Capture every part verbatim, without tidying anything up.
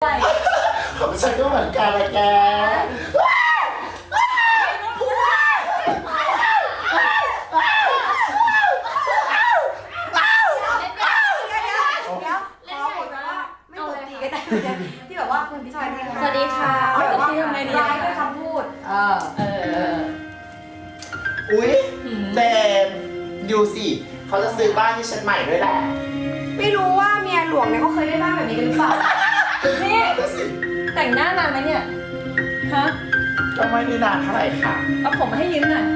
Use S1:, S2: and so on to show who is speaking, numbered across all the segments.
S1: ของฉันก็เหมือนกันเลยแก
S2: ที่แบบว่าคุณพี่ชายนี่
S3: สวัสดีค่ะ
S2: เอาแบบว่า
S3: ทำไงดี
S2: ร้ายด้วยคำพูดเออ
S3: เออ
S1: อุ๊ยเจมดูสิเขาจะซื้อบ้านให้ฉันใหม่ด้วยแหละ
S2: ไม่รู้ว่าเมียหลวงเนี่ยเขาเคยได้บ้านแบบนี้กันหรือเปล่า
S3: นี่
S1: ดูสิ
S3: แต่งหน้านานไหมเนี่ย ฮะ
S1: ก็ไม่ได้นานเท่าไหร่ค่ะ
S3: เอาผมมาให้ยืมหน่อย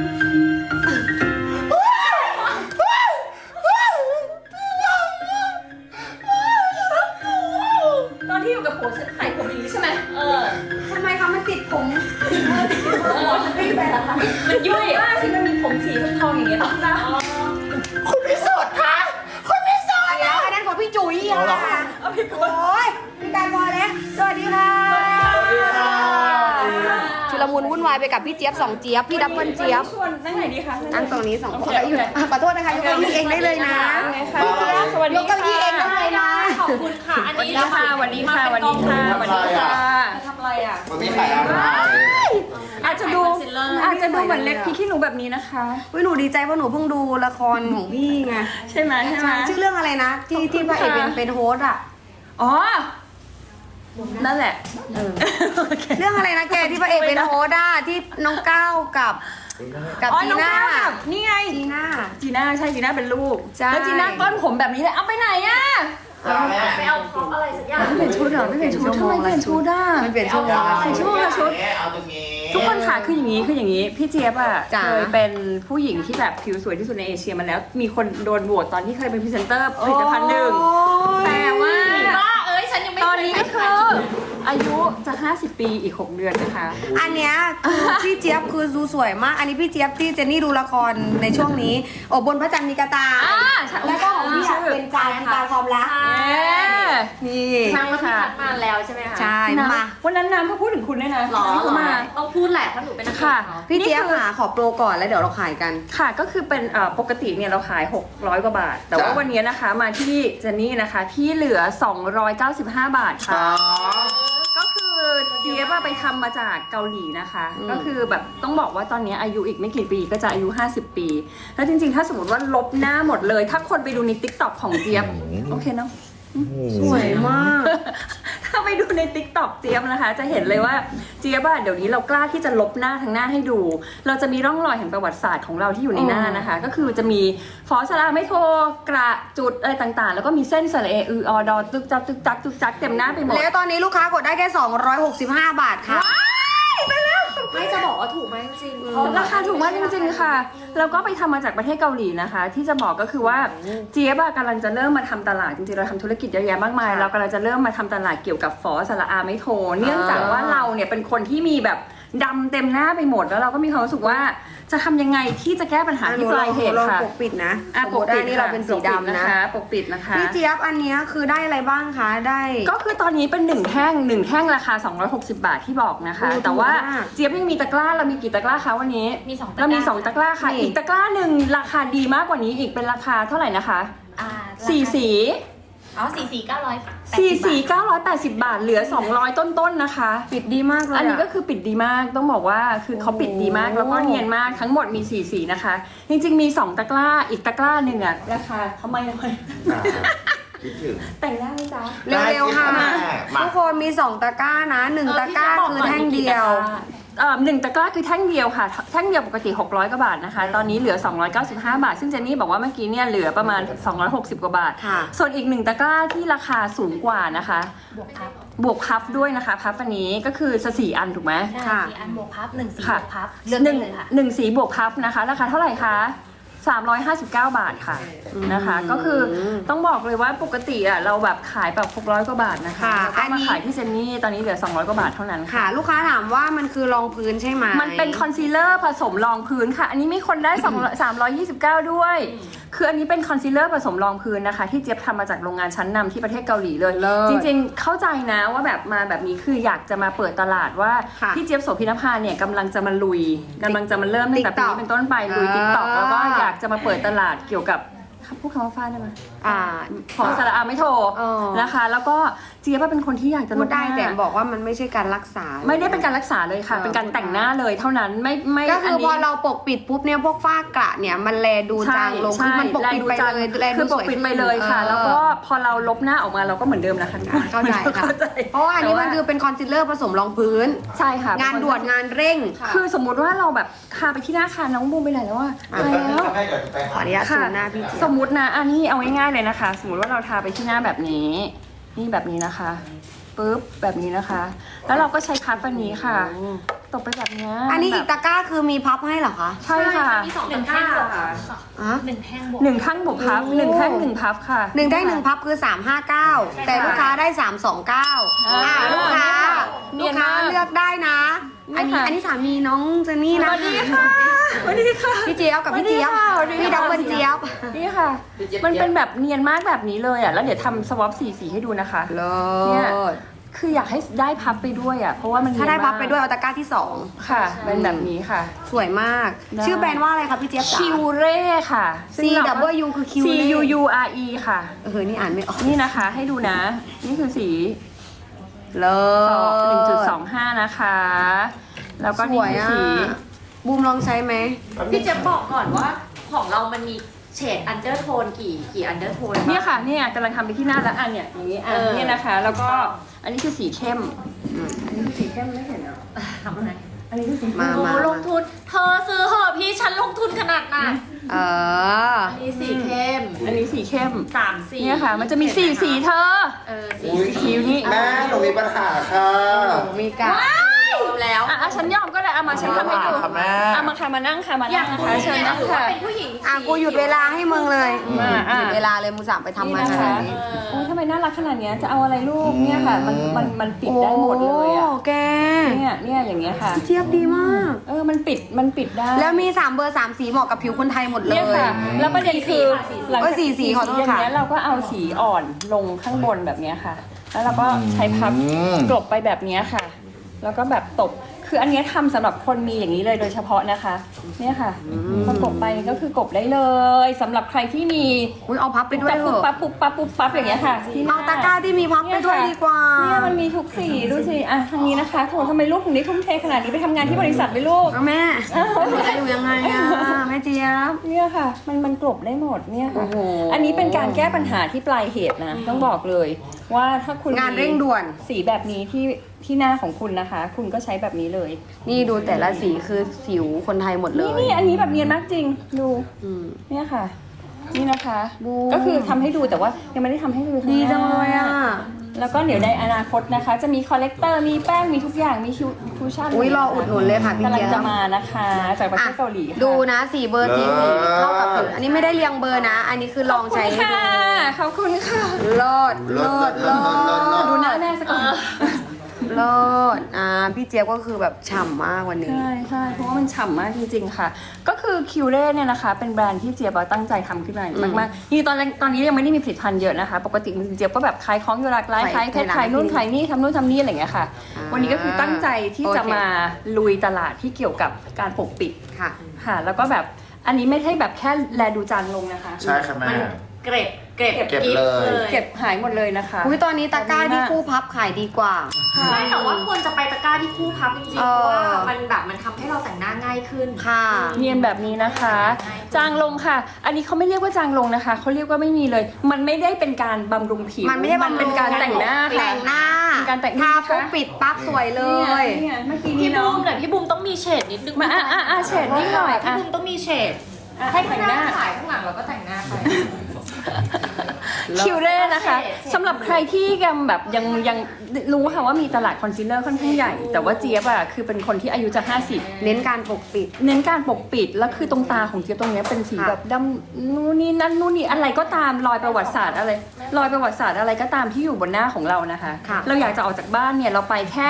S3: ตอนที่อยู่กับผัวฉันขายผมอย่างนี้ใช่ไหมเออ
S2: ทำไมคะมันติดผมเออติดผมมันไม่ไปแล้วคะ
S3: มันยุ่ยมากสิมันมีผมสีทองๆอย่างเงี้ยต้องนะ
S1: คุณพิสุทธิ์คะคุณพิสุทธิ์
S2: เดี๋ยวอันนั้นของพี่จุ๋ย
S1: เอาเหรอ
S2: ค่ะ
S3: เอาพี่ก
S2: โอ้ยพี่การพอแล้วสวัสดีค่ะ
S1: สวัสดีค่ะ
S2: ชุลมุนวุ่นวายไปกับพี่เจี๊ยบสองเจี๊ยบพี่ดับเบิลเจี๊ยบ
S3: ชวนนั่งไหนดีคะ
S2: นั่งตรงนี้สองคน
S3: โอเค
S2: อยู่
S3: โอเค
S2: อ่ะขอโทษนะคะยกเก้าอี้เองได้เลยนะ
S3: ไงคะ
S2: พี่เจี๊ยบ
S3: สวัสดี
S2: ยกเก้าอี้เองได้เลยนะ
S3: ขอบคุณค่ะ อันนี้ค่ะวันนี้ค่ะวันนี้ค่ะวันนี้ค่ะทำอะไรอ่ะ
S1: วันนี้ขายอะไร
S3: อาจจะดูอาจจะดูเหมือนเล็กพี่ขี้หนูแบบนี้นะคะ
S2: เฮ้ยหนูดีใจเพราะหนูเพิ่งดูละครของพี่ไง
S3: ใช่ไหมใช่ไหม
S2: ชื่อเรื่องอะไรนะ ที่ที่พระเอกเป็นเป็นโฮสต์อ่ะ
S3: อ๋อนั่นแหละ
S2: เรื่องอะไรนะแกที่พระเอกเป็นโฮสต์อ่ะที่น้องก้าวกับกับ
S3: อ๋อ
S2: จี
S3: น้อง
S2: น่า
S3: ก้าวกับนี่ไง
S2: จีน่า
S3: จีน่าใช่จีน่าเป็นลูก
S2: ใช่
S3: แล้วจีน่าก้อนผมแบบนี้เลยเอาไปไหนอ่ะ
S1: จ้าแม่
S3: ไปเอาของอะไรสักอย่างไม่เปลี่ยนชุดเหรอไม่เปลี่ยนชุดทำไมเปลี่ยนชุดอ่ะ
S2: มันเปลี่ยนชั่วโมงละ
S3: ใส่ชั่วโมงละชุด
S1: เอาตรงนี้
S3: ทุกคนค่ะคืออย่างนี้คืออย่างนี้พี่เจี๊ยบอ่ะ
S2: จ๋า
S3: เคยเป็นผู้หญิงที่แบบผิวสวยที่สุดในเอเชียมาแล้ว มีคนโดนโหวตตอนที่เคยเป็นพรีเซนเตอร์ผลิตภัณฑ์หนึ่ง
S2: โอ้ย
S3: แต่ว่า
S4: บ้าเอ้ยฉันยังไม่
S3: ตอนนี้ก็คืออายุจะห้าสิบปีอีกหกเดือนนะคะ
S2: อันเนี้ยคือพี่เจี๊ยบคือดูสวยมาก อันนี้พี่เจี๊ยบที่เจนนี่ดูละครในช่วงนี้โอ้บนพระจันทร์มีกระตา
S3: อ่าใช่
S2: แล้วก็ของพี่อะเป็นจานตาความรัก
S3: เอ๊ะ
S2: นี่
S4: นางมาพัดมาแล้วใช่ไหมคะ
S2: ใช่
S3: นะ
S2: มา
S3: วันนั้นน้ำเขาพูดถึงคุณด้วยนะ
S4: หรอ
S3: ที่
S4: หร
S3: เขา
S4: อ
S3: มา
S4: ต้องพูดแหละเพราะหนูเป็นนัก
S3: ค่ะ
S4: เนาะ
S2: พี่เจี๊ยบ
S3: นี่คือ
S2: หาขอโปรก่อนแล้วเดี๋ยวเราขายกัน
S3: ค่ะก็คือเป็นเอ่อปกติเนี่ยเราขายหกร้อยกว่าบาท แต่ว่าวันนี้นะคะมาที่เจนนี่นะคะที่เหลือสองร้อยเก้าสิบห้าบาท
S1: อ๋
S3: ค่ะ
S1: อ
S3: ก็คือเจี๊ยบอะไปทำมาจากเกาหลีนะคะ
S2: อืม
S3: ก็คือแบบต้องบอกว่าตอนนี้อายุอีกไม่กี่ปีก็จะอายุห้าสิบปี แล้วจริงๆ ถ้าสมมติว่าลบหน้าหมดเลย ถ้าคนไปดูใน ติ๊กต็อก ของเจี๊ยบโอเคเนาะ
S2: สวยมาก
S3: ถ้าไปดูใน ติ๊กต็อก เจี๊ยบนะคะ จะเห็นเลยว่าเจี๊ยบอะเดี๋ยวนี้เรากล้าที่จะลบหน้าทั้งหน้าให้ดู เราจะมีร่องรอยแห่งประวัติศาสตร์ของเราที่อยู่ในหน้านะคะ ก็คือจะมีฟอสลาไม่โทกระจุดอะไรต่างๆ แล้วก็มีเส้นสระเออืออดอตึกจักตึกจักตึกจักเต็มหน้าไปหมด
S2: แล้วตอนนี้ลูกค้ากดได้แค่สองร้อยหกสิบห้าบาทค่ะ
S4: ไม่จะบอกว่าถูกไหมจริงๆเพ
S3: รา
S4: ราะ
S3: คาถูกมากจริงๆค่ะ แล้วก็ไปทำมาจากประเทศเกาหลีนะคะ ที่จะบอกก็คือว่าเจี๊ยบอะกำลังจะเริ่มมาทำตลาดจริงๆเราทำธุรกิจเยอะแยะมากมาย
S2: ค่ะ
S3: เรากำลังจะเริ่มมาทำตลาดเกี่ยวกับฟอสระอาไม่โท เนื่องจากว่าเราเนี่ยเป็นคนที่มีแบบดำเต็มหน้าไปหมดแล้วเราก็มีความรู้สึกว่าจะทำยังไงที่จะแก้ปัญหาที่ปลายเหตุ
S2: ลอง
S3: ค่ะ
S2: ปกปิดนะ
S3: อ่ะ
S2: สม
S3: ป
S2: ม
S3: ก
S2: ติ
S3: ปิ
S2: อั
S3: ด
S2: นนี้เราเป็นสีดำนะ
S3: ปกปิดนะคะ
S2: พี่เจี๊ยบอันเนี้ยคือได้อะไรบ้างคะได้
S3: ก็คือตอนนี้เป็นหนึ่งแท่งหนึ่งแท่งราคาสองร้อยหกสิบบาทที่บอกนะคะ
S2: โอ้
S3: แต่ว่า
S2: ถูกมาก
S3: เจี๊ยบยังมีตะกร้าเรามีกี่ตะกร้าคะวันนี้
S4: มีสองตะก
S3: เรา
S4: ร้า
S3: มีสองตะกร้าค่ะ
S2: นี่
S3: อีกตะกร้าหนึ่งราคาดีมากกว่านี้อีกเป็นราคาเท่าไหร่นะคะ
S4: อ่า
S3: สี่สี
S4: อ๋อสี่สี่เก้าร้อย
S3: สี่สีเก้าร้อยแปดสิบบาทเหลือสองร้อยต้นๆนะคะ
S2: ปิดดีมากเลย
S3: อันนี้
S2: ะ
S3: ก็คือปิดดีมากต้องบอกว่าคือเขาปิดดีมาก
S2: โอ้
S3: แล้วก็เนียนมากทั้งหมดมีสี่สีนะคะ จริงๆมีสองตะกร้าอีกตะกร้าหนึ่งอะราคาทำไมทำไม
S1: คิดถึง
S3: แต่งหน้าไหมจ๊ะ
S2: เร็วๆค่ะ
S1: ได้สิมา
S2: ทุกคนมีสองตะกร้านะหนึ่งตะกร้าคือแท่งเดียว
S3: เอ่อหนึ่งตะกร้าคือแท่งเดียวค่ะแท่งเดียวปกติหกร้อยกว่าบาทนะคะ ตอนนี้เหลือสองร้อยเก้าสิบห้าบาท ซึ่งเจนนี่บอกว่าเมื่อกี้เนี่ยเหลือประมาณสองร้อยหกสิบกว่าบาท
S2: ค่ะ
S3: ส่วนอีกหนึ่งตะกร้าที่ราคาสูงกว่านะคะ
S4: บวกพับบ
S3: วกพับด้วยนะคะพับอันนี้ก็คือจะสี่อันถูกไหม
S4: ใช่
S2: ค่ะ
S4: สี่อันบวกพับหนึ่งสี่
S3: ค่ะ
S4: บวกพับเลือก
S3: ห
S4: ได้
S3: นึ่ง
S4: เลยค่ะ
S3: หนึ่งสีบวกพับนะคะ ราคาเท่าไหร่คะสามร้อยห้าสิบเก้าบาทค่ะนะคะ ก็คือต้องบอกเลยว่าปกติอ่ะเราแบบขายแบบหกร้อยกว่าบาทนะคะ
S2: ค่ะ
S3: แล้วก็
S2: อัน
S3: มา
S2: นี้
S3: ขายที่เจนนี่ตอนนี้เหลือสองร้อยกว่าบาทเท่านั้นค่ะ
S2: ค่ะ ลูกค้าถามว่ามันคือรองพื้นใช่ไหม
S3: มันเป็นคอนซีลเลอร์ผสมรองพื้นค่ะ อันนี้มีคนได้สามร้อยยี่สิบเก้าด้วย คืออันนี้เป็นคอนซีลเลอร์ผสมรองพื้นนะคะ ที่เจี๊ยบทำมาจากโรงงานชั้นนำที่ประเทศเกาหลีเลย
S2: เลิศ
S3: จริงๆเข้าใจนะว่าแบบมาแบบนี้คืออยากจะมาเปิดตลาดว่า
S2: ค่ะ
S3: พี่เจี๊ยบโสภินภาเนี่ยกำลังจะมาลุยกำลังจะมาเริ่มตั้งแต่ปี
S2: TikTok
S3: นี้เป็นต้นไปลุย
S2: อ่า
S3: ติ๊กต็อกแล้วก็อยากจะมาเปิดตลาดเกี่ยวกับพูดคำว่าฟาดได้ไหม
S2: อ่า
S3: ฟอสระอาไม่โทร
S2: เออ
S3: นะคะ แล้วก็เจี๊ยบเป็นคนที่อยากจะ
S2: พู
S3: ล
S2: ด
S3: ด
S2: ได้
S3: หน้า
S2: แต่บอกว่ามันไม่ใช่การรักษา
S3: ไม่ได้เป็นการรักษาเลยค่ะ
S2: เออ
S3: เป็นการแต่งหน้าเลยเท่านั้นไม่ไม่
S2: ก็คือพอ
S3: นี้
S2: เราปกปิดปุ๊บเนี่ยพวกฝ้ากระเนี่ยมันแลดูจางลงคือมันปกปิดไปเลยแล
S3: คื
S2: ดู
S3: อ
S2: ส
S3: ปก
S2: วย
S3: ปิด
S2: ขึ้น
S3: ไปเลยค่ะ
S2: ออ
S3: แล้วก็พอเราลบหน้าออกมาเราก็เหมือนเดิมนะคะ
S2: เข้าใจค่ะ เพราะว่าอันนี้มันคือเป็นคอนซีลเลอร์ผสมรองพื้น
S3: ใช่ค่ะ
S2: งานด่วนงานเร่ง
S3: คือสมมุติว่าเราแบบทาไปที่หน้าคาน้องบูมไปไหนแล้วอะ
S1: เดี๋ยว
S3: ไป
S1: แป๊บนึง
S3: แล้ว
S1: ครับแม่เดี๋ยวจะไป
S2: ขอ
S1: หา
S2: อนุญาตซู
S3: ค่ะ
S2: มหน้าพี่เจี๊ย
S3: ส
S2: บ
S3: มมุตินะอันนี้เอาง่ายๆเลยนะคะ สมมุติว่าเราทาไปที่หน้าแบบนี้ นี่แบบนี้นะคะปุ๊บแบบนี้นะคะ แล้วเราก็ใช้พัดอันนี้ค่ะตบไปแบบเนี้ย
S2: อันนี้อีก
S3: แบบ
S2: ตะกร้าคือมีพับให้เหรอคะ
S3: ใช่ค่ะ
S4: มีสองตะกร้าค่ะ
S2: อ่ะ
S4: หนึ่งแท่งบวก
S3: หนึ่งทั้งบวกพับ
S2: โอ้
S3: หนึ่งแท่งหนึ่งพับค่ะ
S2: หนึ่งได้หนึ่งพับคือสามห้าเก้าแต่ลูกค้าได้สามสองเก้า
S3: อ่า
S2: ลูกค้า
S3: เนี
S2: ลู
S3: ย
S2: ก
S3: น
S2: ค้าม
S3: าก
S2: เลือกได้นะ อันนี้
S3: เนี่ยค่ะ
S2: อันนี้สามีน้องเจนนี่
S3: ส
S2: นะ
S3: วัสดีค่ะสวัสดีค่ะ
S2: พี่เจี๊ยบกับพี่เจี๊ยบ
S3: สวัสดีค่ะ
S2: พี่ดับเบิลเจี๊ยบ
S3: นี่ค่ะ มันเป็นแบบเนียนมากแบบนี้เลยอ่ะ แล้วเดี๋ยวทำสวอปสีสีให้ดูนะคะ
S2: เลิ
S3: เนี่ย
S2: ศ
S3: คืออยากให้ได้พับไปด้วยอ่ะ เพราะว่ามัน
S2: ถ้าได้
S3: เนียนมก
S2: พับไปด้วยเอาตะกร้าที่สอง
S3: ค่ะ เป็นแบบนี้ค่ะ
S2: สวยมาก
S3: ได้
S2: ชื่อแบรนด์ว่าอะไรคะพี่เจี๊ยบจ๋า
S3: คิวเร่ค่ะ
S2: C Wคือ Q
S3: C
S2: Ray
S3: U U R E ค่ะ
S2: เออนี่อ่านไม่ออก
S3: นี่นะคะให้ดูนะ นี่คือสี
S2: เลิศ
S3: หนึ่งจุดสองห้านะคะ แล้วก็
S2: ส
S3: นี่
S2: วย
S3: คือ
S2: อ่ะ
S3: สี
S2: บูมลองใช้ไหม
S4: พี่เจะบอกก่อนว่าของเรามันมีเฉดอันเดอร์โทนกี่กี่อันเดอร์โทน
S3: เนี่ยค่ะเนี่ยกำลังทำไปที่หน้าแล้วอันเนี่ยอย่างนี้อ่ะ
S4: เออ
S3: เนี่ยนะคะ แล้วก็อันนี้คือสีเข้มอันนี้คือสีเข้มไม่เห็นเหรอ
S4: ทำอะไร
S3: อันนี้คือสี
S2: มา
S4: โอ้ลงทุน เธอซื้อเหอะพี่ฉันลงทุนขนาดน่ะ
S2: เออ
S4: อันนี้สีเข้ม
S3: อันนี้สีเข้ม
S4: สามสี
S3: เนี่ยค่ะ มันจะมีสีสีเธอ
S4: เออสี
S1: อุ๊ย
S3: คิวนี่
S1: แม่หนูมีปัญหาค่ะ
S2: มีกะ
S4: รวมแล้ว
S3: อ่ะอ่ะฉันยอมก็ได้เอามาฉันทำให้ดู
S1: ค่ะแม่
S3: เอามาค่ะมานั่งค่ะมา
S4: อยา
S3: นั่
S4: ก
S3: งนะคะเชิญนั่ง
S4: ถือว่า
S3: ค่ะ
S4: เป็นผู้หญิง
S2: อ่ะกูหยุดเวลาให้มึงเลย
S3: อ่ะอ่ะ
S2: หยุดเวลาเลยมูสามไปทำมา
S3: นี่
S2: ข
S3: นะคะ
S2: นาดนี้
S3: โอ้ยทำไมน่ารักขนาดเนี้ยจะเอาอะไรลูกเนี่ยค่ะ มันมันมันปิดได้หมดเลยอ่ะ
S2: โอ้แก
S3: เนี่ยเนี่ยอย่างเงี้ยค่ะ
S2: เจี๊ยบดีมาก
S3: เออมันปิดมันปิดได้
S2: แล้วมีสามเบอร์สามสีเหมาะกับผิวคนไทยหมดเล
S3: เนี่ย
S2: ย
S3: ค่ะ แล้วประเด็นคือหลัง
S2: เอ้
S3: จาก
S2: ยสีสีขอโทษ
S3: อย่าง
S2: ค่ะ
S3: เงี้ยเราก็เอาสีอ่อนลงข้างบนแบบเนี้ยค่ะ แล้วเราก็ใช้พับ
S1: อืม
S3: กลบไปแบบเนี้ยค่ะ แล้วก็แบบตบคืออันเนี้ยทำสำหรับคนมีอย่างนี้เลยโดยเฉพาะนะคะ เนี่ยค่ะพอกบไปก็คือกบได้เลยสำหรับใครที่มี
S2: อุ้ยเอาพับไปด้วยเถ
S3: ปุ๊บ
S2: อะ
S3: ปั๊บปุ๊บปั๊บปุ๊บปั๊บอย่างเงี้ยค่ะที่หน้
S2: เอาตะกร้าที่มีพับไปด้วยดีกว่า
S3: เนี่ยมันมีทุกสีดูสิอ่ะทางนี้นะคะโถทำไมลูกถึงได้ทุ่มเทขนาดนี้ไปทำงานที่บริษัทไปลูก
S2: เอาแม่หนูจะอยู่ยังไงอะแม่เจี๊ยบ
S3: เนี่ยค่ะ มันมันกลบได้หมดเนี่ยค่ะ
S2: โอ้โห
S3: อันนี้เป็นการแก้ปัญหาที่ปลายเหตุนะ ต้องบอกเลย ว่าถ้าคุณ
S2: งานเร่งด่วน
S3: สีแบบนี้ที่ที่หน้าของคุณนะคะ คุณก็ใช้แบบนี้เลย
S2: นี่ดูแต่ละสีคือผิวคนไทยหมดเล
S3: นี่
S2: ย
S3: นี่อันนี้แบบเนียนมากจริงดู
S2: อืม
S3: เนี่ยค่ะ นี่นะคะ
S2: บูม
S3: ก็คือทำให้ดูแต่ว่ายังไม่ได้ทำให้ดูข้า
S2: ดี
S3: หน้า
S2: จังเลยอ่ะ
S3: แล้วก็เดี๋ยวในอนาคตนะคะ จะมีคอลเลกเตอร์มีแป้งมีทุกอย่างมีคิวคูชั่น
S2: อุ้ยรออุดหนุนเลยค่ะพี่
S3: กำลัง
S2: เจี๊ย
S3: จะ
S2: บ
S3: มานะคะ จากประเทศเกาหลีค่ะ
S2: ดูนะสีเบอร์สีสี
S1: เลิศ
S2: เข้ากับผิวอันนี้ไม่ได้เรียงเบอร์นะ อันนี้คือลองใช้ให้ดู
S3: ขอบคุณค่ะ
S2: เลิศเลิศเลิศ
S3: ดูหน้าแม่สักก่อน
S2: เลิศอ่าพี่เจี๊ยบก็คือแบบฉ่ำมากวันนี้
S3: ใช่ใช่เพราะว่ามันฉ่ำมากจริงๆค่ะ ก็คือคิวเร่เนี่ยนะคะ เป็นแบรนด์ที่เจี๊ยบตั้งใจทำขึ้นมา
S2: อืม
S3: มากๆนี่ตอนแรกตอนนี้ยังไม่ได้มีผลิตภัณฑ์เยอะนะคะ ปกติเจี๊ยบก็แบบขายของอยู่หลากหลาย
S2: ขา
S3: ขาย ยเพชรขายนู่นขายนี่ทำนู่นทำนี่อะไรอย่างเงี้ยค่ะ
S2: อ่า
S3: วันนี้ก็คือตั้งใจที่จะ
S2: โอเค
S3: มาลุยตลาดที่เกี่ยวกับการปกปิด
S2: ค่ะ
S3: ค่ะ แล้วก็แบบอันนี้ไม่ใช่แบบแค่แลดูจางลงนะคะ
S1: ใช่ค่ะแม่
S4: มันเกร็ดเกร็ด
S1: เก็บ
S4: กิ๊
S1: เลย
S3: เก็บหายหมดเลยนะคะ
S2: อุ้ยตอนนี้ตะกร้าที่คู่พับขายดีกว่า
S4: ไม่แต่ว่าควรจะไปตะกร้าที่คู่พับจริงๆ
S2: เอ
S4: เพ
S2: อ
S4: ราะว่ามันแบบมันทำให้เราแต่งหน้าง่ายขึ้น
S2: ค่ะ
S3: เนียนแบบนี้นะคะ จางลงค่ะ อันนี้เขาไม่เรียกว่าจางลงนะคะเขาเรียกว่าไม่มีเลย มันไม่ได้เป็นการบำรุงผิว
S2: มันไม่ใช่บำรุง
S3: เป็นการแต่งหน้าค่ะ
S2: แต่งหน้า
S3: เป็นการแต่ง
S2: ทาปุ๊บปิดปั๊บสวยเลย
S3: นี่ไงเมื่อกี้
S4: พี่
S3: นี้
S4: บู
S3: น้อง
S4: มแต่พี่บูมต้องมีเฉดนิดนึง
S3: มาอ่ะอ่ะอ่ะเฉดนิดหน่อย
S4: พี่
S3: อ่ะ
S4: บูมต้องมีเฉด
S3: อ่ะ
S4: ให้
S3: แต่
S4: ข้าง
S3: ง
S4: ห
S3: ห
S4: น้า
S3: น้า
S4: ถ่ายข้างหลังเราก็แต่งหน้าไป
S3: คิวเร่นะคะ
S4: เฉดเฉด
S3: สำหรับใครที่ยังแบบยังยังรู้ค่ะว่ามีตลาดคอนซีลเลอร์ค่อนข้างใหญ่ แต่ว่าเจี๊ยบอ่ะคือเป็นคนที่อายุจะห้าสิบ
S2: เน้นการปกปิด
S3: เน้นการปกปิดแล้วคือตรงตาของเจี๊ยบตรงเนี้ยเป็นสี
S2: ค่ะ
S3: แบบดำนู่นนี่นั่นนู่นนี่อะไรก็ตามรอยประวัติศาสตร์อะไรรอยประวัติศาสตร์อะไรก็ตามที่อยู่บนหน้าของเรานะคะ
S2: ค่ะ
S3: เราอยากจะออกจากบ้านเนี่ยเราไปแค่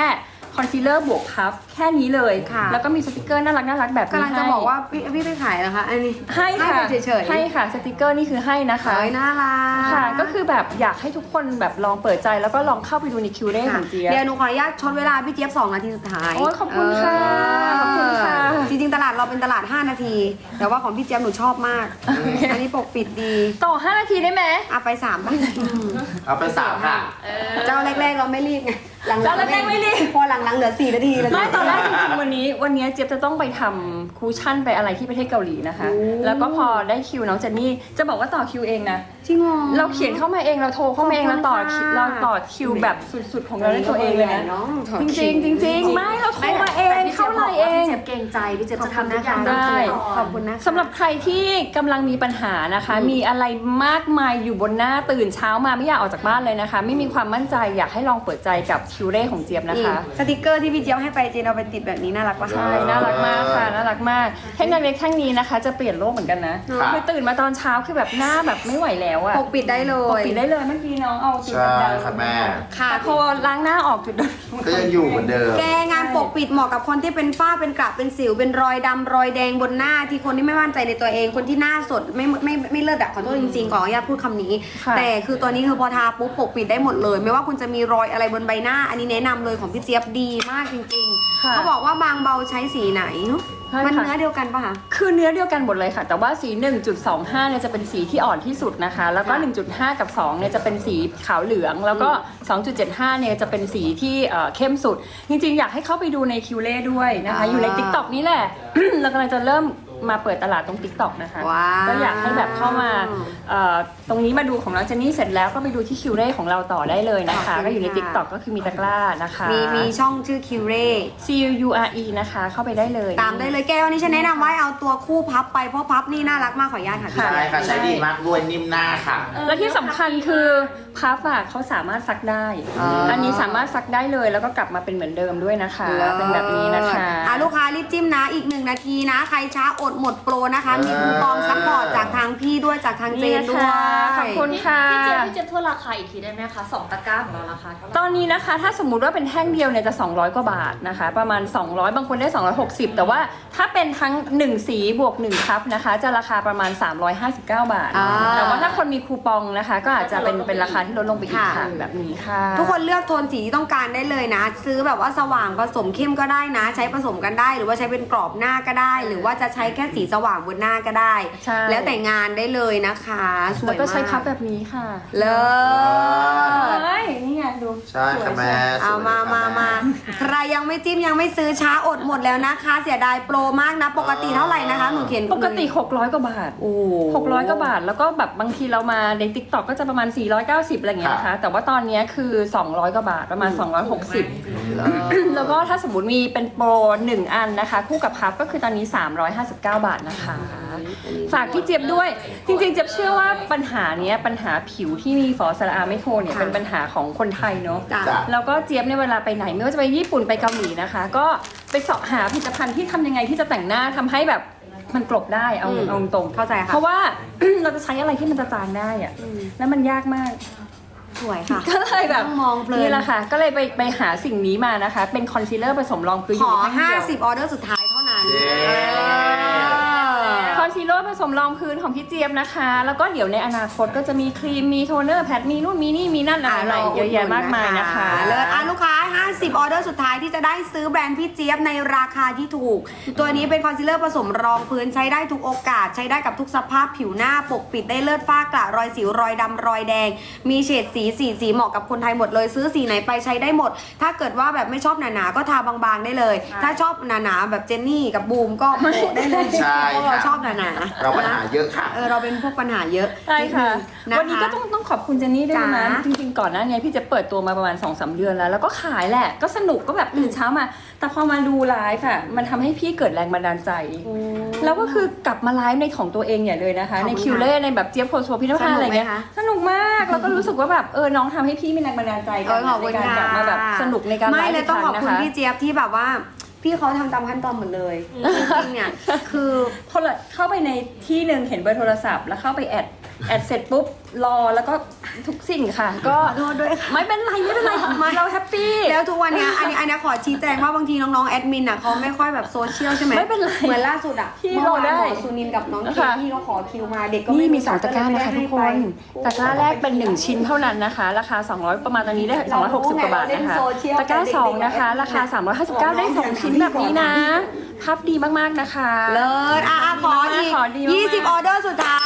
S3: คอนซีลเลอร์บวกพัฟแค่นี้เลย
S2: ค่ะ
S3: แล้วก็มีสติกเกอร์น่ารักน่ารักแบบนี้
S2: กำลังจะ
S3: ให้
S2: บอกว่าพี่พี่ไปขายนะคะอันนี้
S3: ให้ค่ะ
S2: ไปเฉยๆ
S3: ให้ค่ะสติกเกอร์นี่คือให้นะคะ
S2: เอ้ยน่ารัก
S3: ค่ะก็คือแบบอยากให้ทุกคนแบบลองเปิดใจแล้วก็ลองเข้าไปดูในคิวเร่ของเจี๊ยบ
S2: เดี๋ยวหนูขออนุญาตช็อตเวลาพี่เจี๊ยบสองนาทีสุดท้าย
S3: โอ้ยขอบคุณค่ะ
S2: เ
S3: ขอบคุณค่ะ
S2: จริงๆตลาดเราเป็นตลาดห้านาที แต่ว่าของพี่เจี๊ยบหนูชอบมาก อันนี้ปกปิดดี
S3: ต่อห้านาทีได้ไหม
S2: เอาไปสามบ้าง
S1: เอาไปสามค่ะ
S2: เจ้าแรกๆเราไม่รีบไงหลังๆ
S3: เจ้าแรกๆไม่รีบ
S2: พอหลังๆเหลือสี่นาทีแล้ว
S3: ไม่ตอนแรกจริงๆวันนี้วันนี้เจี๊ยบจะต้องไปทำคูชั่นไปอะไรที่ประเทศเกาหลีนะคะ
S2: โอ้
S3: แล้วก็พอได้คิวน้องเจนนี่จะบอกว่าต่อคิวเองนะ
S2: จริงเหรอ
S3: เราเขียนเข้ามาเองเราโทรเข้ามาเอง
S2: ขอบคุณ
S3: เราต่อคิว
S2: ค่ะ
S3: เราต่อคิวแบบสุดๆของเราด้วยตัวเองเลยนะ
S2: น้องถอด
S3: จ
S2: คิ
S3: ริ
S2: ว
S3: งๆจริงๆไม่เราโทรมาเองเข้าไลน์เอง
S4: พี่เจี๊ยบเกรงใจพี่เจี๊ยบ
S2: ขอบ
S4: จะ
S2: คุณ
S4: ทำทุ
S2: นะ
S4: กอย่า
S2: คะ
S4: ง
S3: ได้
S2: ขอบคุณนะคะ
S3: สำหรับใครที่กำลังมีปัญหานะคะ มีอะไรมากมายอยู่บนหน้าตื่นเช้ามาไม่อยากออกจากบ้านเลยนะคะ ไม่มีความมั่นใจอยากให้ลองเปิดใจกับคิวเร่ของเจี๊ยบนะคะ
S2: สติกเกอร์ที่พี่เจี๊ยบให้ไปเจนเอาไปติดแบบนี้น่ารักปะ
S3: ใช่น่ารักมากค่ะน่ารักมากเทคโนโลยีแท่งนี้นะคะ จะเปลี่ยนโลกเหมือนกันนะ
S1: ครับ
S3: คือตื่นมาตอนเช้าคือแบบหน้าแบบไม่ไหวแล้วอะ
S2: ปกปิดได้เล
S3: ปก
S2: ย
S3: ปิดได้เลยเมื่อกี้น้องเอาจุด
S1: ใช่
S3: ดำๆ
S1: ค่ะแม่
S2: ค่ะ
S3: แต่พอล้างหน้าออกจุดดำ
S1: ก็ยังอยู่เหมือนเดิม
S2: แกงานปกปิดเหมาะกับคนที่เป็นฝ้าเป็นกระเป็นสิวเป็นรอยดำรอยแดงบนหน้าที่คนที่ไม่มั่นใจในตัวเอง คนที่หน้าสดไม่ไม่ไม่ไม่เลิศอะขอโทษจริงๆขออนุญาตพูดคำนี้
S3: ค่ะ
S2: แต่คือตัวนี้คือพอทาปุ๊บปกปิดได้หมดเลย ไม่ว่าคุณจะมีรอยอะไรบนใบหน้า อันนี้แนะนำเลยของพี่เจี๊ยบดีมากจริงๆ
S3: ค่ะ
S2: เขาบอกว่าบางเบาใช้สีไหนเนอะ
S3: ใช่
S2: มัน
S3: ค่ะ
S2: เนื้อเดียวกันปะคะ
S3: คือเนื้อเดียวกันหมดเลยค่ะ แต่ว่าสี หนึ่งจุดสองห้า เนี่ยจะเป็นสีที่อ่อนที่สุดนะคะ แล้วก็
S2: ค่ะ
S3: หนึ่งจุดห้า กับ สอง เนี่ยจะเป็นสีขาวเหลือง แล้วก็ สองจุดเจ็ดห้า เนี่ยจะเป็นสีที่เอ่อเข้มสุด จริงๆ อยากให้เข้าไปดูในคิวเล่ด้วยนะคะ อยู่ใน ติ๊กต็อก นี่แหละ เรากำลังจะเริ่มมาเปิดตลาดตรง ติ๊กต็อก นะคะ
S2: ว้าว
S3: ก็อยากให้แบบเข้ามาเอ่อตรงนี้มาดูของน้องเจนนี่เสร็จแล้วก็ไปดูที่คิวเล่ของเราต่อได้เลยนะคะ
S2: ขอบคุณ
S3: ก็อยู่ใน
S2: ค่ะ
S3: ติ๊กต็อก ก็คือมีตะกร้านะคะ
S2: มีมีช่องชื่อคิวเร่
S3: C U U R E นะคะ เข้าไปได้เลย
S2: ตามได้เลยแก้ววันนี้ฉันแนะนำว่าเอาตัวคู่พับไปเพราะพับนี่น่ารักมากขออนุญาตค่ะพี่
S1: ใช่ค่ะ ใช้ดีมากด้วยนิ่มหน้าค่ะ
S3: และที่สำคัญคือพัฟอะเขาสามารถซักได้
S2: อ่า
S3: อันนี้สามารถซักได้เลยแล้วก็กลับมาเป็นเหมือนเดิมด้วยนะคะ เป็นแบบนี้นะคะ
S2: อ่ะลูกค้ารีบจิ้มนะอีกหนึ่งนาทีนะ ใครช้าอดหมดโปรนะคะ มีคูปองซัพพอร์ตจากทางพี่ด้วยจากทางเจ
S3: นี่
S2: น
S3: นะ
S2: ด้วย
S3: คะขอบคุณค่ะ
S4: พี่เจี๊ยบพี่เจี๊ยบทวนราคาอีกทีได้ไหมคะสองตะกร้าของเราราคาเท่าไหร่
S3: ตอนนี้นะคะถ้าสมมุติว่าเป็นแท่งเดียวเนี่ยจะสองร้อยกว่าบาทนะคะ ประมาณ สองร้อย บางคนได้ สองร้อยหกสิบ แต่ว่าถ้าเป็นทั้งหนึ่งสีบวกหนึ่งคัพนะคะ จะราคาประมาณ สามร้อยห้าสิบเก้า บาท
S2: อ่า
S3: แต่ว่าถ้าคนมีคูปองนะคะ ก็อาจจะเป็นเป็นราคาที่ลดลงไปอีกค่ะแบบนี้ค่ะ
S2: ทุกคนเลือกโทนสีที่ต้องการได้เลยนะ ซื้อแบบว่าสว่างผสมเข้มก็ได้นะ ใช้ผสมกันได้ หรือว่าใช้เป็นกรอบหน้าก็ได้ หรือว่าจะใช้แค่สีสว่างบนหน้าก็ได้
S3: ใช่
S2: แล้วแต่งานได้เลยนะคะสว
S3: แล้ว
S2: ย
S3: ก็
S2: มาก
S3: ใช้พับแบบนี้ค่ะ
S2: เลิศ
S3: เฮ้ยนี่ไงดู
S1: ใช่ค่ะแม่
S2: เอามา
S1: สวยค่ะ
S2: มามาใครยังไม่จิ้มยังไม่ซื้อช้าอดหมดแล้วนะคะ เสียดายโปรมากนะ ปกติเท่าไหร่นะคะ หนูเขียน
S3: ปกติ หกร้อย กว่าบาท
S2: โอ้
S3: หกร้อย กว่าบาท แล้วก็แบบบางทีเรามาใน ติ๊กต็อก ก็จะประมาณ สี่ร้อยเก้าสิบ อะไรอย่างเงี้ยนะคะ แต่ว่าตอนเนี้ยคือ สองร้อย กว่าบาท ประมาณ สองร้อยหกสิบ แล้วก็ถ้าสมมติมีเป็นโปรหนึ่งอันนะคะ คู่กับพับก็คือตอนนี้ สามร้อยห้าสิบเก้า บาทนะคะ ฝากพี่เจี๊ยบด้วย จริงๆเจี๊ยบเชื่อว่าปัญหาเนี้ยปัญหาผิวที่มีฝอสระอาไม่โทนเนี่ย
S2: ค่ะ
S3: เป็นปัญหาของคนไทยเนาะ
S2: จ้ะ
S1: จ้ะ
S3: แล้วก็เจี๊ยบเนี่ยเวลาไปไหนไม่ว่าจะไปญี่ปุ่นไปเกาหลีนะคะ ก็ไปเสาะหาผลิตภัณฑ์ที่ทำยังไงที่จะแต่งหน้าทำให้แบบมันกลบได้เอา
S2: อืม
S3: เอาตรงๆ
S2: เข้าใจค่ะ
S3: เพราะว่า เราจะใช้อะไรที่มันจะจางได้อะ
S2: อืม
S3: แล้วมันยากมาก
S2: สวยค่ะ
S3: ก็เลยแบบ
S2: ต้องมองเพลิน
S3: นี่แหละค่ะ ก็เลยไปไปหาสิ่งนี้มานะคะ เป็นคอนซีลเลอร์ผสมรองพื้น
S2: ขอ
S3: ในแท่งเดียว
S2: ห้าสิบออเดอร์สุดท้ายเท่านั้น
S1: เย้
S2: เออ
S3: คอนซีลเลอร์ผสมรองพื้นของพี่เจี๊ยบนะคะ แล้วก็เดี๋ยวในอนาคตก็จะมีครีมมีโทนเนอร์แพดมีนู่นมีนี่มีนั่นอะไรๆเยอะแยะมากมายนะคะ
S2: เลิศอ่ะลูกค้าห้าสิบออเดอร์สุดท้ายที่จะได้ซื้อแบรนด์พี่เจี๊ยบในราคาที่ถูก ตัวนี้เป็นคอนซีลเลอร์ผสมรองพื้นใช้ได้ทุกโอกาส ใช้ได้กับทุกสภาพผิวหน้าปกปิดได้เลิศฝ้ากระรอยสิวรอยดำรอยแดง มีเฉดสีสีสีเหมาะกับคนไทยหมดเลยซื้อสีไหนไปใช้ได้หมด ถ้าเกิดว่าแบบไม่ชอบหนาๆก็ทาบางๆได้เลย ถ้าชอบหนาๆแบบเจนนี่กับบูมก็โปะได้เลย
S1: ใช่
S2: เพราะเรา
S1: ค่ะ
S2: ชอบหนาๆ
S1: เราปัญหาเยอะค่ะ
S2: เออเราเป็นพวกปัญหาเยอะ
S3: ใช่ค่ะ
S2: นิดนึงนะคะ
S3: วันนี้ก็ต้องต้องขอบคุณเจนนี่ด้วยนะ
S2: จ๋า
S3: จริงๆก่อนหน้านี้พี่จะเปิดตัวมาประมาณ สองสาม เดือนแล้ว แล้วก็ขายแหละ ก็สนุกก็แบบตื่นเช้ามา แต่พอมาดูไลฟ์อะมันทำให้พี่เกิดแรงบันดาลใจ แล้วก็คือกลับมาไลฟ์ในของตัวเองใหญ่เลยนะคะ
S2: ขอบคุณ
S3: ในคิวเล่ในแบบเจี๊ยบโพสโซพิธภัณฑ์อะไรเงี้ย
S2: สนุกไหมคะ
S3: สนุกมาก แล้วก็รู้สึกว่าแบบเออน้องทำให้พี่มีแรงบันดาลใจ
S2: เออขอบคุณ
S3: ในการ
S2: ค่ะ
S3: กลับมาแบบสนุกในการไล
S2: ไม่
S3: ฟ์
S2: เล
S3: อี
S2: ย
S3: ก
S2: ต้อ
S3: ค
S2: ง
S3: รั้
S2: ขอบ
S3: งนะ
S2: คุณ
S3: คะ
S2: พี่เจี๊ยบที่แบบว่า พี่เขาทำตามขั้นตอนหมดเลยจริงๆเนี่ยคือ
S3: โทรเข้าไปในที่หนึ่งเห็นเบอร์โทรศัพท์แล้วเข้าไปแอดแอดเสร็จปุ๊บรอแล้วก็ทุกสิ่งค่ะ ก็
S2: ขอโทษด้วยค่ะ
S3: ไม่เป็นไรไม่เป็นไรเราแฮปปี้
S2: แล้วทุกวันเนี้ยอันนี้อันนี้ขอชี้แจงว่าบางทีน้องๆแอดมินอ่ะเขาไม่ค่อยแบบโซเชียลใช่ไหม
S3: ไม่เป็นไร
S2: เหมือนล่าสุดอ่ะ
S3: พี่
S2: เมื่อวาน
S3: รอได้
S2: หมอซูนินกับน้องเค
S3: ค่ะ
S2: ที่เขาขอคิวมาเด็กก็
S3: นี่
S2: ไม่
S3: มีสองตะกร้านะคะทุกคน
S2: ไป
S3: ตะกร้าแรกเป็นหนึ่งชิ้นเท่านั้นนะคะ ราคาสองร้อยประมาณตอนนี้ได้สองร้อยหกสิบกว่าบาทนะคะตะกร้าสองนะคะราคาสามร้อยห้าสิบเก้าได้สองชิ้นแบบนี้นะภาพดีมากๆนะคะ
S2: เลิศอ่ะอ่ะขออีก
S3: ขอดีมากๆ
S2: ยี่สิบออเดอร์สุดท้าย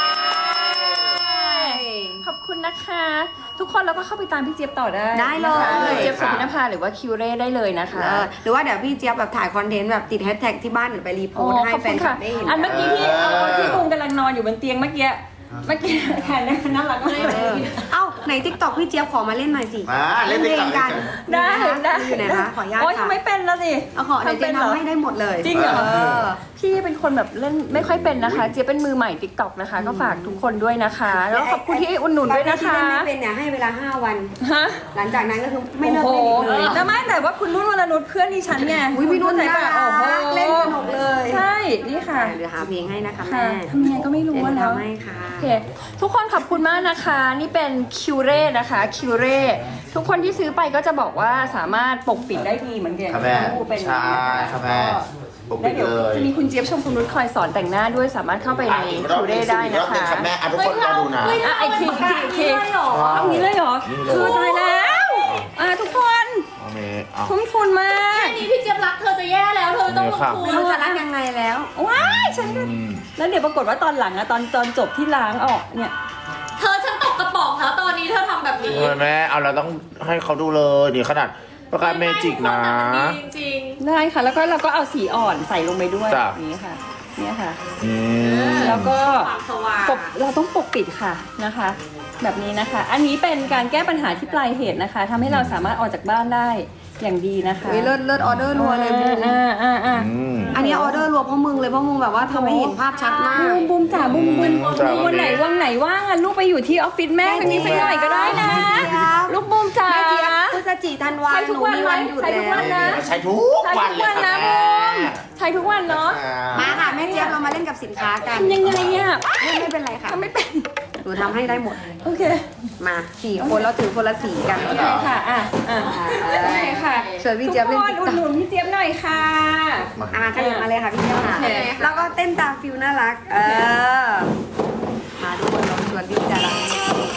S3: ขอบคุณนะคะ ทุกคนแล้วก็เข้าไปตามพี่เจี๊ยบต่อได้
S2: ได้เลย
S3: นะคะเจี๊ยบสุพินภาหรือว่าคิวเร่ได้เลยนะคะ
S2: เออหรือว่าเดี๋ยวพี่เจี๊ยบแบบถ่ายคอนเทนต์แบบติดแฮชแท็กที่บ้านหรือไปรีโพ
S3: โอ้
S2: สต์ให้
S3: ขอบ
S2: แฟ
S3: คุ
S2: น
S3: ณ
S2: คลั
S3: ค่ะ
S2: บได้เห็น
S3: อันเมื่อกี้ที่ที่บูมกำลังนอนอยู่บนเตียงเมื่อกี้เมื่อกี้แทนน่ารักมาก
S2: เออเอ้าไหนทิกตอกพี่เจี๊ยบขอมาเล่นหน่อยสิ
S1: อ่าเล่น
S2: เพ
S1: ติ๊ก
S2: ล
S1: ต็อง ก
S2: กัน
S3: ได้ได้
S2: อยู่ไหนคะขออนุญาต
S3: โอ้ย
S2: ค่ะ
S3: ทำไม่เป็นแล้วสิ
S2: เอาขอเดี๋ยวเจ๊
S3: ทำเป็นเหรอ
S2: ทำให้ได้หมดเลย
S3: จริงเหรอ
S2: เออ
S3: พี่เป็นคนแบบเล่นไม่ค่อยเป็นนะคะ เจี๊ยบเป็นมือใหม่ติ๊กต็อกนะคะ ก็ฝากทุกคนด้วยนะคะ แล้วขอบคุณที่อุดหนุนด้วยนะคะ
S2: ที่เล่นไม่เป็นเนี่ยให้เวลาห้าวัน
S3: ฮะ
S2: หลังจากนั้นก็คือไม่เลิก
S3: โอ้
S2: เล่น
S3: โห
S2: อีกเลย
S3: แต่ไม่แต่ว่าคุณนุ่นวรนุชเพื่อนดิฉันไง
S2: อุ้ยพี่นุ่น
S3: ไหน
S2: น่า
S3: ปะ
S2: รั
S3: โอ้โห
S2: กเล่นสนุกเลย
S3: ใช่นี่ค่ะ
S2: เดี๋ยวหาเพลงให้นะคะ
S3: ค่ะ
S2: แม่
S3: ทำยังไงก็ไม่รู้
S2: เดี๋ยว
S3: ว่า
S2: หนู
S3: แล้ว
S2: ทำให้ค่ะ
S3: โอเคทุกคนขอบคุณมากนะคะ นี่เป็นคิวเร่นะคะคิวเร่ทุกคนที่ซื้อไปก็จะบอกว่าสามารถปกปิดได้ดีเหมือนกัน
S1: ค่ะแม่
S3: เป็น
S1: ใช่ค่ะแม่ปกปิ
S3: แล้ว
S1: ด
S3: เดี๋ยว
S1: เลย
S3: จะมีคุณเจี๊ยบชมพูนุชคอยสอนแต่งหน้าด้วยสามารถเข้าไปใน
S1: อ่ะอีกรอบ
S3: คิว
S1: หนึ่
S3: เร่
S1: ง
S3: ได้
S1: อีกร
S3: นะ
S1: อบหนึ่ง
S3: คะ
S1: ค่ะแม่อ่ะทุกคนรอดูนะ
S3: อ่ะไอทีทีที
S4: ได้เหรอ
S3: เอางี้เลยเหรอ
S1: นี่เลย
S3: คือตายแล้วอ่ะทุกคน
S1: โอเคเอา
S3: ทุ่มทุนมาก
S4: นี่พี่เจี๊ยบรักเธอจะแย่แล้วเธอต้องลงทุ
S2: ไม่
S4: น
S2: รู้จะรักยังไงแล้ว
S3: ว้ายฉันก็
S1: อืม
S3: แล้วเดี๋ยวปรากฏว่าตอนหลังอะตอนตอนจบที่ล้างออกเนี่ย
S4: เธอฉันตกกระป๋องแล้วตอนนี้เธอทำแบบนี้
S1: เออแม่เอาเราต้องให้เขาดูเลยนี่ขนาดประกาศเมจิกนะ
S4: ไม่ไม่จริง
S3: ได้ค่ะ แล้วก็เราก็เอาสีอ่อนใส่ลงไปด้วย
S1: จ้ะ
S3: แบบนี้ค่ะ เนี่ยค่ะ
S1: อืม
S3: แล้วก็
S4: ๆความสว่าง
S3: ปกเราต้องปกปิดค่ะนะคะ แบบนี้นะคะ อันนี้เป็นการแก้ปัญหาที่ปลายเหตุนะคะทำให้เราสามารถออกจากบ้านได้อย่างดีนะคะ
S2: วิเลิศเลิศออเดอร์รัวเลยบูม
S3: อ่าอ่าอ่า
S1: อืม
S2: อันนี้ออเดอร์รัวเพราะมึงเลยเพราะมึงแบบว่าทำให้เห็นภาพชัดมาก
S3: บูมบูมจ๋าบูมบูม
S1: จ๋า
S3: วันไหนวันไหนว่างอ่ะลูกไปอยู่ที่ออฟฟิศแม่ครั้งนี้สักหน่อยก็ได้นะ ลูกบูมจ๋า
S2: แม่เจี๊ยบพฤศจิธันวา
S3: ใช้
S2: ห
S3: ทุ
S2: นู
S3: กวัน
S2: มี
S3: ไหม
S2: วันหยุด
S3: ใช้ทุก
S2: แล้
S3: วั
S2: วน
S3: นะ
S1: ใช้ทุก
S3: ใช้
S1: วัน
S3: ทุก
S1: เลย
S3: วัน
S1: ค่ะ
S3: นะ
S1: แม่
S3: บูมใช้ทุกวันเนาะ
S2: มาค่ะแม่เจี๊ยบเรามาเล่นกับสินค้ากัน
S3: ทำยังไงอ่ะ
S2: ไม่ไม่เป็นไรค่ะ
S3: ทำไม่เป็น
S2: หนูทำให้ได้หมด
S3: โอเค
S2: มาสี่คนเราถือคนละสีกัน
S3: โอเคค่ะอ่ะอ่ะโอเคค่ะ
S2: เชิญพี่เจี๊ยบเล่น
S3: ทุกคนอุดหนุนพี่เจี๊ยบหน่อยค่ะ
S2: อ่าขยับมาเลยค่ะพี่เจี๊ยบค่ะ
S3: โอเค
S2: แล้วก็เต้นตามฟิลน่ารัก เออ มาทุกคนเราชวนพี่จะรัก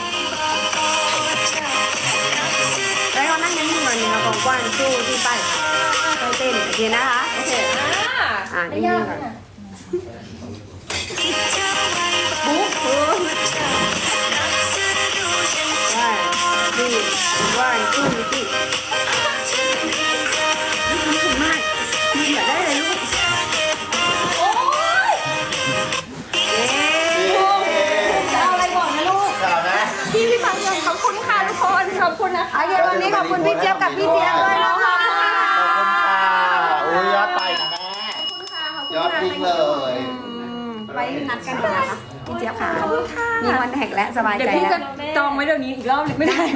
S2: แล้วก็นั่งนิ่งๆก่อนหนึ่งกว้างๆสู้ที่ไปไปเต้นโอเคนะคะ
S3: โอเคอ่ะ
S2: อ่ะ
S3: ไม่
S2: นิ่
S3: ยาง ก
S2: ๆก่อน
S3: อ่ะ
S2: บุ๊บบุ๊บว่าดีว่าสู้ที่ถึงมากมีเหลือได้เลยลูก
S3: โอ๊ย
S2: เย้
S3: จะเอาอะไรบอกนะลูก
S1: จ๋าแม่
S3: พี่พี่ฟังเลยขอบคุณค่ะทุกคนขอบคุณนะคะ
S2: โอเควันนี้ขอบคุณพี่เจี๊ยบกับพี่เจี๊ยบด้วยนะคะ
S1: ขอบคุณค่ะโอ้ยยอดไปนะแม่
S3: ขอบคุณค่ะขอบคุณ
S1: ยอด
S3: ค่ะ
S1: วิ่งเลย
S2: ไปนัดกันนะคะพี่เจี๊ยบค่ะ
S3: ขอบคุณค่ะ
S2: มีวันแท็กและสบาย
S3: เดี๋ย
S2: ใจ
S3: วพี่
S2: แล้ว
S3: จะจองไว้เดี๋ยวนี้อีกรอบหนึ่งไม่ได้